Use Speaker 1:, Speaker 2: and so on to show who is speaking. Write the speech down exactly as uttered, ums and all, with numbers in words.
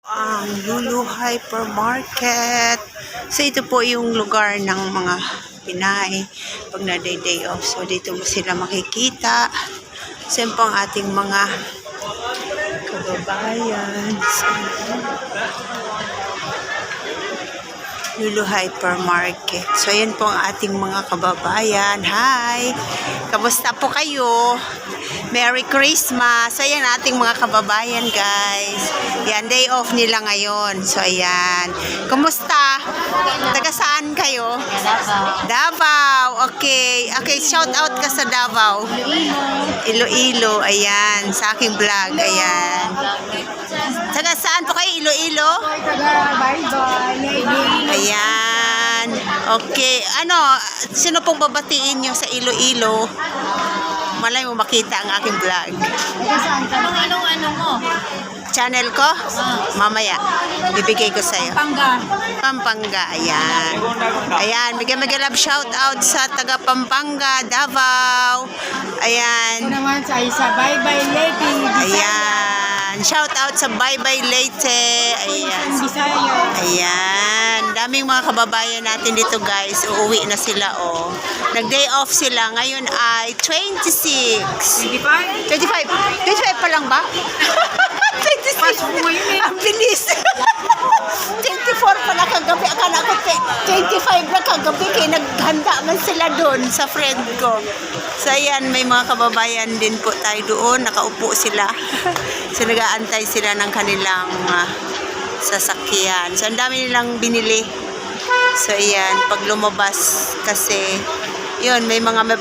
Speaker 1: Ang Lulu Hypermarket. So ito po yung lugar ng mga Pinay pag na day day off. So dito mo sila makikita. So yun po ang ating mga kababayan. So, Lulu Hypermarket. So yun po ang ating mga kababayan. Hi! Kamusta po kayo? Merry Christmas! So yan ating mga kababayan guys. Yan, day off nila ngayon. So ayan. Kumusta? Taga saan kayo?
Speaker 2: Davao.
Speaker 1: Davao. Okay. Okay, shout out ka sa Davao. Iloilo. Ayan. Sa aking vlog. Ayan. Taga saan po kayo? Iloilo? Ayan. Okay. Ano, sino pong babatiin nyo sa Iloilo? Malay mo makita ang aking vlog.
Speaker 2: Anong anong ano mo?
Speaker 1: Channel ko? Mamaya. Bibigay ko sa'yo.
Speaker 2: Pangga.
Speaker 1: Pampanga. Ayan. Ayan. Bigyan mag love shout out sa taga Pampanga, Davao. Ayan.
Speaker 2: Ito naman sa isa. Bye bye lady.
Speaker 1: Ayan. Shout out sa Bye Bye Leyte. Ayan.
Speaker 2: Bisaya.
Speaker 1: Ayan. Daming mga kababayan natin dito guys. Uuwi na sila oh. Nag-day off sila. Ngayon ay twenty-six.
Speaker 2: twenty-five.
Speaker 1: twenty-five. twenty-five pa lang ba? twenty-six. Ang bilis. twenty-four pa na kagabi. Akala ko twenty-five na kagabi. Kaya naghanda man sila doon sa friend ko. So ayan, may mga kababayan din po tayo doon. Nakaupo sila. So nag-aantay sila ng kanilang uh, sasakyan. So ang dami nilang binili. So ayan, pag lumabas kasi yun, may mga